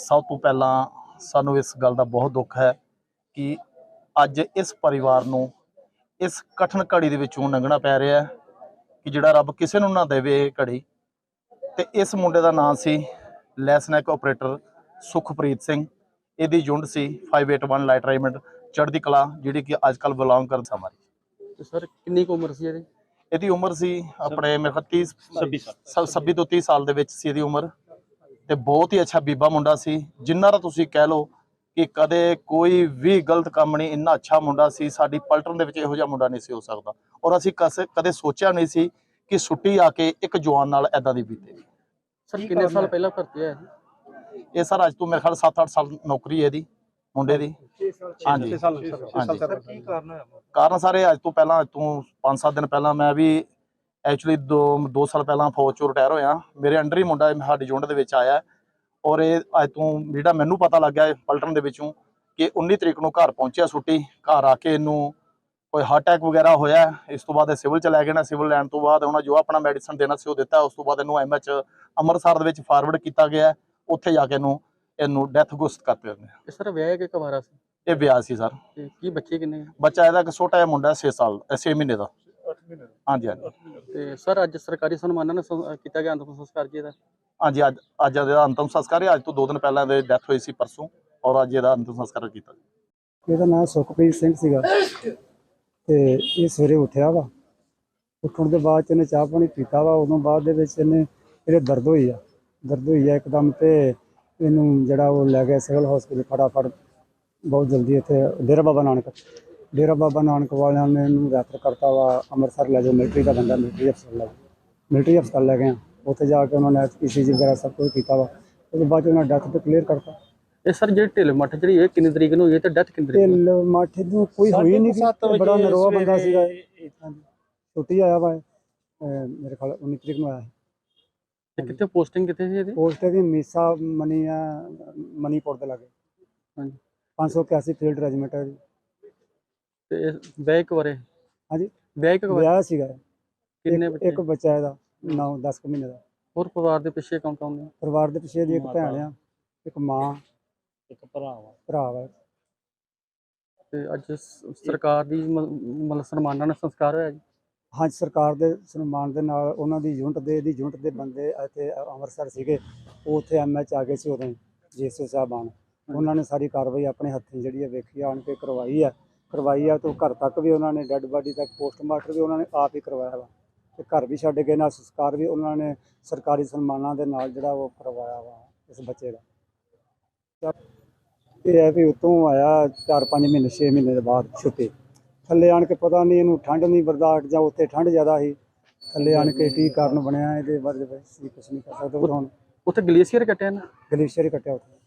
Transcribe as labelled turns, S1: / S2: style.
S1: ਸਭ ਤੋਂ ਪਹਿਲਾਂ ਸਾਨੂੰ ਇਸ ਗੱਲ ਦਾ ਬਹੁਤ ਦੁੱਖ ਹੈ ਕਿ ਅੱਜ ਇਸ ਪਰਿਵਾਰ ਨੂੰ ਇਸ ਕਠਿਨ ਘੜੀ ਦੇ ਵਿੱਚੋਂ ਲੰਘਣਾ ਪੈ ਰਿਹਾ ਹੈ ਕਿ ਜਿਹੜਾ ਰੱਬ ਕਿਸੇ ਨੂੰ ਨਾ ਦੇਵੇ ਇਹ ਘੜੀ। ਤੇ ਇਸ ਮੁੰਡੇ ਦਾ ਨਾਮ ਸੀ ਲੈਸਨੈਕ ਆਪਰੇਟਰ ਸੁਖਪ੍ਰੀਤ ਸਿੰਘ। ਇਹਦੀ ਯੂਨਿਟ ਸੀ 581 ਲਾਈਟ ਰੇਜਮੈਂਟ ਚੜ੍ਹਦੀ ਕਲਾ, ਜਿਹੜੀ ਕਿ ਅੱਜ ਕੱਲ੍ਹ ਬਿਲੋਂਗ ਕਰਦਾ ਹਮਾਰੀ।
S2: ਤੇ ਸਰ ਕਿੰਨੀ ਕੁ ਉਮਰ ਸੀ ਇਹਦੀ?
S1: ਇਹਦੀ ਉਮਰ ਸੀ ਆਪਣੇ ਮੇਰੇ ਖਿਆਲ 26 ਤੋਂ 30 ਸਾਲ ਦੇ ਵਿੱਚ ਸੀ ਇਹਦੀ ਉਮਰ। ਤੇ ਬਹੁਤ ਹੀ ਅੱਛਾ ਬੀਬਾ ਮੁੰਡਾ ਸੀ, ਜਿੰਨਾ ਦਾ ਤੁਸੀਂ ਕਹਿ ਲਓ ਕਿ ਕਦੇ ਕੋਈ ਵੀ ਗਲਤ ਕੰਮ ਨਹੀਂ। ਇੰਨਾ ਅੱਛਾ ਮੁੰਡਾ ਸੀ, ਸਾਡੀ ਪਲਟਨ ਦੇ ਵਿੱਚ ਇਹੋ ਜਿਹਾ ਮੁੰਡਾ ਨਹੀਂ ਸੀ ਹੋ ਸਕਦਾ। ਔਰ ਅਸੀਂ ਕਦੇ ਸੋਚਿਆ ਨਹੀਂ ਸੀ ਕਿ ਛੁੱਟੀ ਆ ਕੇ ਇੱਕ ਜਵਾਨ ਨਾਲ ਐਦਾਂ ਦੀ ਬੀਤੇਗੀ।
S2: ਸਰ ਕਿੰਨੇ ਸਾਲ ਪਹਿਲਾਂ ਭਰਤੀ ਹੋਇਆ ਸੀ?
S1: ਇਹ ਸਰ ਅੱਜ ਤੋਂ ਮੇਰੇ ਖਿਆਲ 7-8 ਸਾਲ ਨੌਕਰੀ ਹੈ ਇਹਦੀ ਮੁੰਡੇ ਦੀ। ਹਾਂਜੀ
S3: ਕੀ ਕਾਰਨ ਹੋਇਆ?
S1: ਕਾਰਨ ਸਾਰੇ ਅੱਜ ਤੋਂ 5-7 ਦਿਨ ਪਹਿਲਾਂ ਮੈਂ ਵੀ ਐਕਚੁਅਲੀ 2 ਸਾਲ ਪਹਿਲਾਂ ਫੌਜ ਚੋਂ ਰਿਟਾਇਰ ਹੋਇਆ। ਮੇਰੇ ਅੰਡਰ ਹੀ ਮੁੰਡਾ ਸਾਡੀ ਯੂਨਿਟ ਦੇ ਵਿੱਚ ਆਇਆ। ਔਰ ਇਹ ਅੱਜ ਤੋਂ ਜਿਹੜਾ ਮੈਨੂੰ ਪਤਾ ਲੱਗਿਆ ਪਲਟਨ ਦੇ ਵਿੱਚੋਂ ਕਿ 19 ਤਰੀਕ ਨੂੰ ਘਰ ਪਹੁੰਚਿਆ ਛੁੱਟੀ। ਘਰ ਆ ਕੇ ਇਹਨੂੰ ਕੋਈ ਹਾਰਟ ਅਟੈਕ ਵਗੈਰਾ ਹੋਇਆ। ਇਸ ਤੋਂ ਬਾਅਦ ਇਹ ਸਿਵਲ ਚ ਲੈ ਗਏ ਨਾ। ਸਿਵਲ ਲੈਣ ਤੋਂ ਬਾਅਦ ਉਹਨਾਂ ਜੋ ਆਪਣਾ ਮੈਡੀਸਨ ਦੇਣਾ ਸੀ ਉਹ ਦਿੱਤਾ। ਉਸ ਤੋਂ ਬਾਅਦ ਇਹਨੂੰ ਐਮਐਚ ਅੰਮ੍ਰਿਤਸਰ ਦੇ ਵਿੱਚ ਫਾਰਵਰਡ ਕੀਤਾ ਗਿਆ। ਉੱਥੇ ਜਾ ਕੇ ਇਹਨੂੰ ਡੈਥ ਘੋਸ਼ਿਤ ਕਰਤੇ ਉਹਨੇ।
S2: ਇਹ ਸਰ ਵਿਆਹ ਕੇ ਕੁਆਰਾ ਸੀ?
S1: ਇਹ ਵਿਆਹ ਸੀ ਸਰ।
S2: ਤੇ ਕੀ ਬੱਚੇ ਕਿੰਨੇ?
S1: ਬੱਚਾ ਇਹਦਾ ਇੱਕ ਛੋਟਾ ਜਿਹਾ ਮੁੰਡਾ 6 ਮਹੀਨੇ ਦਾ।
S3: 8 ਮਹੀਨੇ ਦਾ।
S1: ਹਾਂਜੀ ਹਾਂਜੀ।
S2: ਤੇ ਸਰ ਅੱਜ ਸਰਕਾਰੀ ਸਨਮਾਨਾਂ ਨਾਲ ਕੀਤਾ ਗਿਆ ਅੰਤਿਮ ਸੰਸਕਾਰ ਜੀ ਇਹਦਾ?
S1: ਹਾਂਜੀ ਅੱਜ ਇਹਦਾ ਅੰਤਿਮ ਸੰਸਕਾਰ ਹੈ। ਅੱਜ ਤੋਂ 2 ਦਿਨ ਪਹਿਲਾਂ ਇਹਦੀ ਡੈਥ ਹੋਈ ਸੀ ਪਰਸੋਂ, ਔਰ ਅੱਜ ਇਹਦਾ ਅੰਤਿਮ ਸੰਸਕਾਰ ਕੀਤਾ।
S4: ਇਹਦਾ ਨਾਮ ਸੁਖਪ੍ਰੀਤ ਸਿੰਘ ਸੀਗਾ ਤੇ ਇਹ ਸਵੇਰੇ ਉੱਠਿਆ ਵਾ। ਉੱਠਣ ਦੇ ਬਾਅਦ ਇਹਨੇ ਚਾਹ ਪਾਣੀ ਪੀਤਾ ਵਾ। ਉਦੋਂ ਬਾਅਦ ਦੇ ਵਿੱਚ ਇਹਦੇ ਦਰਦ ਹੋਈ ਆ ਇੱਕਦਮ। ਤੇ ਇਹਨੂੰ ਜਿਹੜਾ ਉਹ ਲੈ ਗਿਆ ਸਿਵਲ ਹਸਪੀਟਲ ਫਟਾਫਟ, ਬਹੁਤ ਜਲਦੀ। ਇੱਥੇ ਡੇਰਾ ਬਾਬਾ ਨਾਨਕ ਵਾਲਿਆਂ ਨੇ ਇਹਨੂੰ ਰੈਫਰ ਕਰਤਾ ਵਾ ਅੰਮ੍ਰਿਤਸਰ ਲੈ ਜਾਓ। ਮਿਲਟਰੀ ਦਾ ਬੰਦਾ, ਮਿਲਟਰੀ ਹਸਪਤਾਲ ਲੈ ਗਏ। ਉੱਥੇ ਜਾ ਕੇ ਉਹਨਾਂ ਨੇ ECG ਵਗੈਰਾ ਸਭ ਕੁਝ ਕੀਤਾ ਵਾ। ਉਹਦੇ ਬਾਅਦ ਉਹਨਾਂ ਡੈਥ ਤੇ ਕਲੀਅਰ ਕਰਤਾ।
S2: ਇਹ ਸਰ ਜਿਹੜੀ ਢਿੱਲ ਮੱਠ ਜਿਹੜੀ ਇਹ ਕਿੰਨੀ ਤਰੀਕ ਨੂੰ ਹੋਈ ਹੈ ਤੇ ਡੈਥ ਕਿੰਨੀ ਤਰੀਕ ਨੂੰ?
S4: ਢਿੱਲ ਮੱਠ ਨੂੰ ਕੋਈ ਹੋਈ ਨਹੀਂ ਸੀ। ਬੜਾ ਨਰੋਆ ਬੰਦਾ ਸੀਗਾ। ਛੁੱਟੀ ਆਇਆ ਵਾ ਮੇਰੇ ਖਿਆਲ 19 ਤਰੀਕ ਨੂੰ ਆਇਆ।
S2: ਤੇ ਕਿੱਥੇ ਪੋਸਟਿੰਗ ਕਿੱਥੇ ਸੀ ਇਹਦੀ?
S4: ਪੋਸਟ ਇਹਦੀ ਮੀਸਾ ਮਨੀਪੁਰ ਦੇ ਲਾਗੇ।
S2: ਹਾਂਜੀ।
S4: 581 ਫੀਲਡ ਰੈਜੀਮੈਂਟ ਹੈ ਜੀ।
S2: ਤੇ ਵਿਆਹ ਕਵਾਰੇ?
S4: ਹਾਂਜੀ
S2: ਵਿਆਹ
S4: ਸੀਗਾ।
S2: ਕਿੰਨੇ ਬੱਚੇ?
S4: ਇੱਕ ਬੱਚਾ ਇਹਦਾ 9-10 ਮਹੀਨੇ ਦਾ।
S2: ਹੋਰ ਪਰਿਵਾਰ ਦੇ ਪਿੱਛੇ ਕੌਣ ਕੌਣ ਨੇ?
S4: ਪਰਿਵਾਰ ਦੇ ਪਿੱਛੇ ਦੀ ਇੱਕ ਭੈਣ ਆ, ਇੱਕ ਮਾਂ,
S3: ਇੱਕ ਭਰਾ
S4: ਵਾ।
S2: ਤੇ ਅੱਜ ਸਰਕਾਰ ਦੀ ਮਤਲਬ ਸਨਮਾਨਾਂ ਨਾਲ ਸੰਸਕਾਰ ਹੋਇਆ ਜੀ?
S4: ਹਾਂਜੀ, ਸਰਕਾਰ ਦੇ ਸਨਮਾਨ ਦੇ ਨਾਲ ਉਹਨਾਂ ਦੀ ਯੂਨਿਟ ਦੇ ਬੰਦੇ ਇੱਥੇ ਅੰਮ੍ਰਿਤਸਰ ਸੀਗੇ। ਉਹ ਉੱਥੇ MH ਆ ਗਏ ਸੀ ਉਦੋਂ JSO ਸਾਹਿਬਾਨ। ਉਹਨਾਂ ਨੇ ਸਾਰੀ ਕਾਰਵਾਈ ਆਪਣੇ ਹੱਥੀਂ ਜਿਹੜੀ ਹੈ ਵੇਖੀ ਆਣ ਕੇ ਕਰਵਾਈ ਆ। ਤੋਂ ਘਰ ਤੱਕ ਵੀ ਉਹਨਾਂ ਨੇ ਡੈੱਡ ਬਾਡੀ ਤੱਕ ਪੋਸਟਮਾਰਟਮ ਵੀ ਉਹਨਾਂ ਨੇ ਆਪ ਹੀ ਕਰਵਾਇਆ ਵਾ। ਤੇ ਘਰ ਵੀ ਛੱਡ ਗਏ ਨਾਲ ਸੰਸਕਾਰ ਵੀ ਉਹਨਾਂ ਨੇ ਸਰਕਾਰੀ ਸਨਮਾਨਾਂ ਦੇ ਨਾਲ ਜਿਹੜਾ ਉਹ ਕਰਵਾਇਆ ਵਾ ਇਸ ਬੱਚੇ ਦਾ। ਇਹ ਹੈ ਵੀ ਉੱਤੋਂ ਆਇਆ 4-5 ਮਹੀਨੇ 6 ਮਹੀਨੇ ਦੇ ਬਾਅਦ ਛੁੱਟੀ। ਥੱਲੇ ਆਣ ਕੇ ਪਤਾ ਨਹੀਂ ਇਹਨੂੰ ਠੰਡ ਨਹੀਂ ਬਰਦਾਸ਼ਤ ਜਾਂ ਉੱਥੇ ਠੰਡ ਜ਼ਿਆਦਾ ਸੀ। ਥੱਲੇ ਆਣ ਕੇ ਕੀ ਕਾਰਨ ਬਣਿਆ ਇਹਦੇ ਬਾਰੇ ਕੁਛ ਨਹੀਂ ਕਰ ਸਕਦੇ। ਹੁਣ
S2: ਉੱਥੇ ਗਲੇਸ਼ੀਅਰ ਕੱਟਿਆ ਨਾ?
S4: ਗਲੇਸ਼ੀਅਰ ਹੀ ਕੱਟਿਆ ਉੱਥੇ।